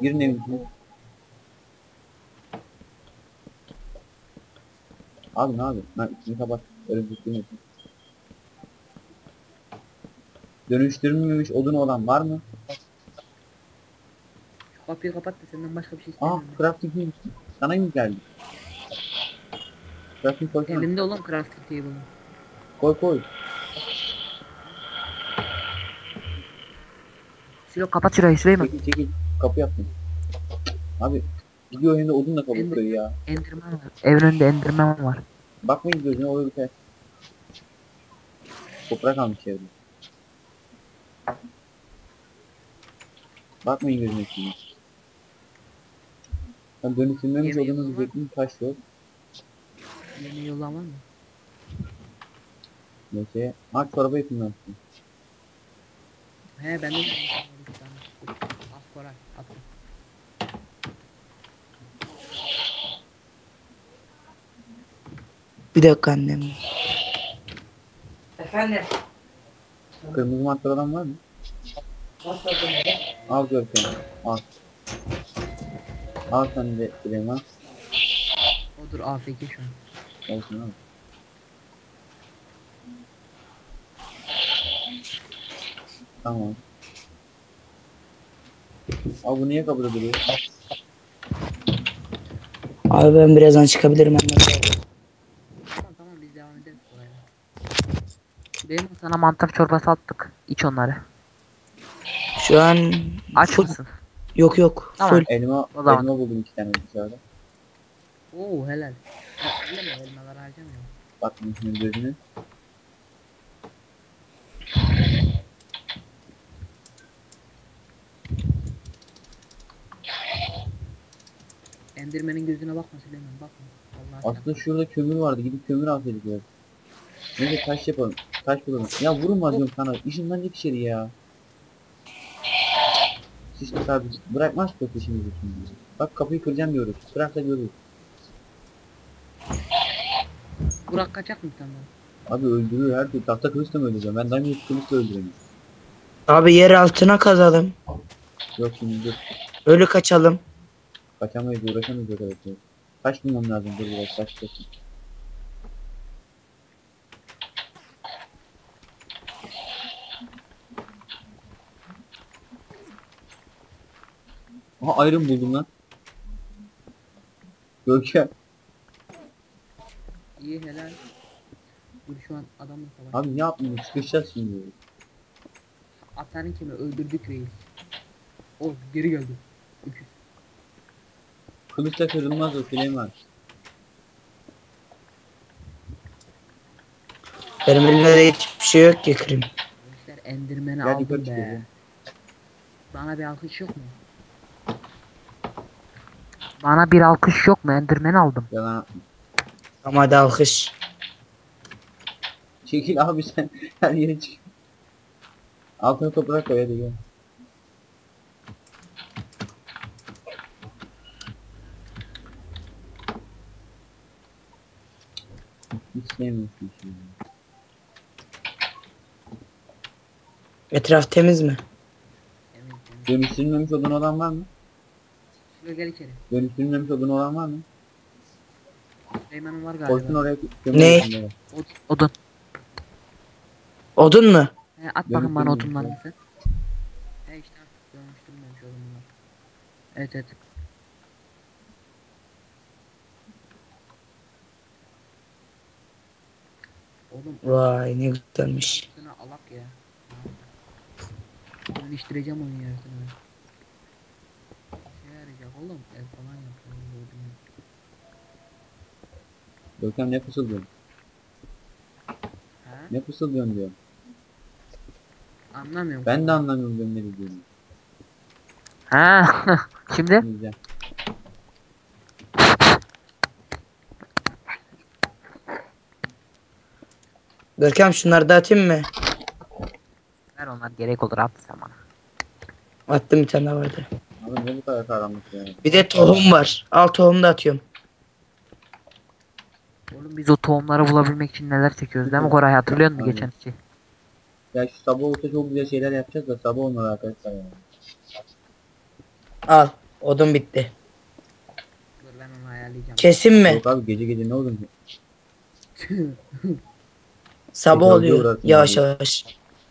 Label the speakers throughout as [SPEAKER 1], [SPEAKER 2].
[SPEAKER 1] Girin evin içine. Abi ne abi? Ben içini kapat. Örümcek değil mi? Dönüştürülmemiş odun olan var mı?
[SPEAKER 2] Şu kapıyı kapat da senden başka bir şey
[SPEAKER 1] Aa
[SPEAKER 2] istemiyorum.
[SPEAKER 1] crafting neymiş? Sana mı geldi? Crafting koysana.
[SPEAKER 2] Elimde olan crafting table'ım.
[SPEAKER 1] Koy koy.
[SPEAKER 2] Silo kapat şurayı Süleyman.
[SPEAKER 1] Çekil çekil. Kapı yaptım. Abi gidiyor hem de odunla
[SPEAKER 2] Ender,
[SPEAKER 1] kapatıyor ya.
[SPEAKER 2] Enderman var. Evin önünde Enderman var.
[SPEAKER 1] Bakmayın gözüne oluyor biter. Toprak almış evde. Bakmayın gözüne şimdi. Ben dönüştürmemiş
[SPEAKER 2] Yemeği
[SPEAKER 1] odunu
[SPEAKER 2] yapalım.
[SPEAKER 1] diyecektim. Taş yok.
[SPEAKER 2] Yemeği yollan var mı?
[SPEAKER 1] Neyse. Ha çorba yapayım ben.
[SPEAKER 2] He ben de bir tane. Al Koray attım.
[SPEAKER 3] Bir dakika annem. Efendim.
[SPEAKER 1] Kırmızı mantar olan var mı?
[SPEAKER 3] Nasıl adın?
[SPEAKER 1] Al Görkem. Al. Al sen de Süleyman.
[SPEAKER 2] Odur AFK şu an.
[SPEAKER 1] Olsun abi. Tamam. Abi bu niye kapıda duruyor?
[SPEAKER 3] Abi ben birazdan çıkabilirim annem.
[SPEAKER 2] Tamam biz devam ederiz Koray'la. Süleyman sana mantar çorbası attık. İç onları.
[SPEAKER 3] Şu an
[SPEAKER 2] Aç
[SPEAKER 3] full.
[SPEAKER 2] mısın?
[SPEAKER 3] Yok yok.
[SPEAKER 2] Tamam.
[SPEAKER 3] Full.
[SPEAKER 1] Elma,
[SPEAKER 2] O zaman.
[SPEAKER 1] elma buldum 2 tane dışarıda.
[SPEAKER 2] Oo helal. Elleme elmaları harcamıyorum.
[SPEAKER 1] Bak şimdi gözüne.
[SPEAKER 2] Endirmenin gözüne bakma Süleyman bakma. Vallahi
[SPEAKER 1] Aslında şurada kömür vardı. Gidip kömür alsaydık ya. Neyse taş yapalım. Taş bulalım. Ya vurma diyorum sana. İşinden içeri ya. Sıçtık abi. Bırakmaz ki peşimizi şimdi. Bak kapıyı kıracağım diyoruz. Bırak da görürüz.
[SPEAKER 2] Burak kaçak mı senden?
[SPEAKER 1] Abi öldürüyor her türlü. Tahta kılıçla mı öldüreceğim? Ben diamond kılıçla öldüremiyorum.
[SPEAKER 3] Abi yer altına kazalım.
[SPEAKER 1] Yok şimdi dur.
[SPEAKER 3] Ölü kaçalım.
[SPEAKER 1] Kaçamayız uğraşamayız o kadar. Taş bulmam lazım. Dur biraz taş bulsun. Aha ayrım buldum lan. Görkem.
[SPEAKER 2] İyi helal. Dur şu an adamla savaş.
[SPEAKER 1] Abi ne yapayım? Sıkışacağız şimdi.
[SPEAKER 2] Atanın kimi öldürdük reis. O geri geldi. Öküz.
[SPEAKER 1] Kılıçla kırılmaz o Süleyman.
[SPEAKER 3] Benim elimde de hiçbir şey yok ki kırayım.
[SPEAKER 2] Gençler endirmeni
[SPEAKER 1] Gel yukarı
[SPEAKER 2] aldım
[SPEAKER 1] çıkıyoruz
[SPEAKER 2] be.
[SPEAKER 1] ya.
[SPEAKER 2] Bana bir alkış yok mu? Bana bir alkış yok mu? Endirmeni aldım.
[SPEAKER 1] Yalan.
[SPEAKER 3] Ama hadi alkış.
[SPEAKER 1] Çekil abi sen her yere çık. Altına toprak koy hadi gel. Hiç sevmiyorsun şimdi.
[SPEAKER 3] Etraf temiz mi?
[SPEAKER 2] Evet, evet.
[SPEAKER 1] Dönüştürülmemiş odun olan var mı?
[SPEAKER 2] Şuraya gel içeri.
[SPEAKER 1] Dönüştürülmemiş odun olan var mı?
[SPEAKER 2] Süleyman'ın var
[SPEAKER 1] Koysun
[SPEAKER 2] galiba.
[SPEAKER 1] oraya kömür
[SPEAKER 3] Ne?
[SPEAKER 1] içinde.
[SPEAKER 2] Odun.
[SPEAKER 3] Odun mu?
[SPEAKER 2] He, at bakın bana
[SPEAKER 1] Dönüştürmemiş
[SPEAKER 2] odunlarını
[SPEAKER 1] ya.
[SPEAKER 2] sen. He işte artık dönüştürmemiş odunlar. Evet evet. Oğlum
[SPEAKER 3] Vay ne güzelmiş.
[SPEAKER 2] sana alak ya. Dönüştüreceğim onu yarısını. Şey yarayacak oğlum. Ev falan yapıyor. Gördüm ya.
[SPEAKER 1] Görkem ne fısıldıyorsun?
[SPEAKER 2] Ha?
[SPEAKER 1] Ne fısıldıyorsun diyor.
[SPEAKER 2] Anlamıyorum.
[SPEAKER 1] Ben de anlamıyorum diyorum ne dediğini.
[SPEAKER 2] Ha. Şimdi
[SPEAKER 1] Güzel.
[SPEAKER 3] Görkem şunları da atayım mı?
[SPEAKER 2] ver onlar gerek olur at sen bana.
[SPEAKER 3] Attım bir tane daha vardı.
[SPEAKER 1] Abi ne bu kadar karanlık ya.
[SPEAKER 3] Bir de tohum var. Al tohum da atıyorum.
[SPEAKER 2] Oğlum biz o tohumları bulabilmek için neler çekiyoruz değil mi Koray hatırlıyor musun
[SPEAKER 1] Aynen.
[SPEAKER 2] geçen iki?
[SPEAKER 1] Ya şu sabah olsa çok güzel şeyler yapacağız da sabah olmadı arkadaşlar ya.
[SPEAKER 3] Al. Odun bitti.
[SPEAKER 2] Dur ben onu ayarlayacağım.
[SPEAKER 3] Kesin mi?
[SPEAKER 1] Yok abi gece gece ne olur ki?
[SPEAKER 3] Sabah
[SPEAKER 1] Gece
[SPEAKER 3] oluyor.
[SPEAKER 1] uğrarsın
[SPEAKER 3] Yavaş
[SPEAKER 1] abi.
[SPEAKER 3] yavaş.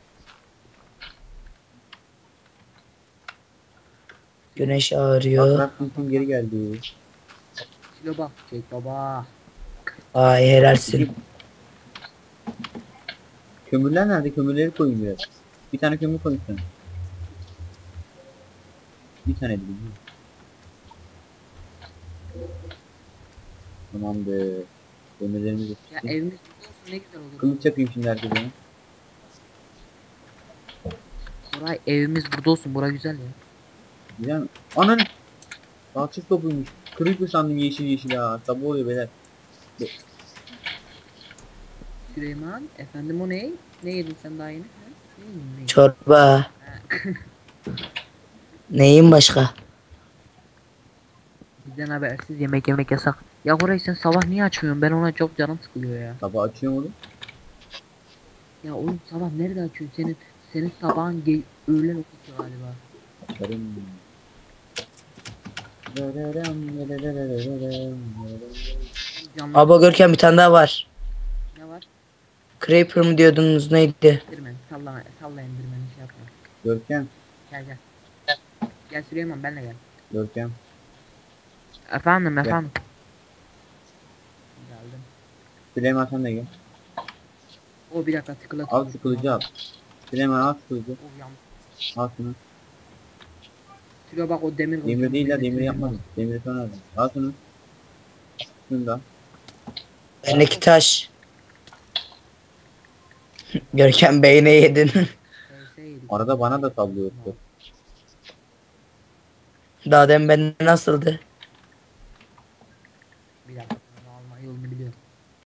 [SPEAKER 3] Güneş
[SPEAKER 1] Bak
[SPEAKER 3] ağrıyor.
[SPEAKER 1] Crafting'in geri geldi.
[SPEAKER 2] Kilo bak çek baba.
[SPEAKER 3] Ay helalsin.
[SPEAKER 1] Kömürler nerede? Kömürleri koyun biraz. Bir tane kömür koyun sen. Bir tane değil. Tamamdır. Kömürlerimiz de
[SPEAKER 2] Ya
[SPEAKER 1] pişti.
[SPEAKER 2] evimiz burada olsun ne güzel olur.
[SPEAKER 1] Kılıç yapayım şimdi herkese.
[SPEAKER 2] Buray evimiz burada olsun. Bura güzel ya.
[SPEAKER 1] Güzel mi? Ananı! Balçık topuymuş. Creeper sandım yeşil yeşil ha. Sabah oluyor beyler.
[SPEAKER 2] Süleyman efendim o ne? Ne yedin sen daha yeni? Ha? Ne yedin, ne yedin?
[SPEAKER 3] Çorba.
[SPEAKER 2] Ha.
[SPEAKER 3] Neyin başka?
[SPEAKER 2] Bizden habersiz yemek yemek yasak. Ya Koray sen sabah niye açmıyorsun? Ben ona çok canım sıkılıyor ya.
[SPEAKER 1] Sabah açıyorum oğlum.
[SPEAKER 2] Ya oğlum sabah nerede açıyorsun? Senin sabahın öğlen okusu galiba.
[SPEAKER 1] Açarım.
[SPEAKER 2] Canlı
[SPEAKER 3] Aba Görkem bir tane daha var.
[SPEAKER 2] ne var?
[SPEAKER 3] Creeper mı diyordunuz neydi?
[SPEAKER 2] Endirmen. Salla Endirmen'i şey yapma.
[SPEAKER 1] Görkem.
[SPEAKER 2] Gel gel. Gel Süleyman benle gel.
[SPEAKER 1] Görkem.
[SPEAKER 2] Efendim efendim. Geldim.
[SPEAKER 1] Süleyman sen de gel.
[SPEAKER 2] O bir dakika tıkla.
[SPEAKER 1] Al şu kılıcı al. Süleyman al şu kılıcı.
[SPEAKER 2] O yanlış.
[SPEAKER 1] Al şunu.
[SPEAKER 2] Sülo bak o demir
[SPEAKER 1] Demir
[SPEAKER 2] kılıcı.
[SPEAKER 1] değil ya demir yapmadım. Demiri sonra aldım. Al şunu. Şunu da.
[SPEAKER 3] Bendeki taş. Görkem beyne yedin.
[SPEAKER 2] Yedik.
[SPEAKER 1] Arada bana da sallıyor.
[SPEAKER 3] Daha demin bende nasıldı?
[SPEAKER 2] Bir dakika. Alma yolunu biliyorum.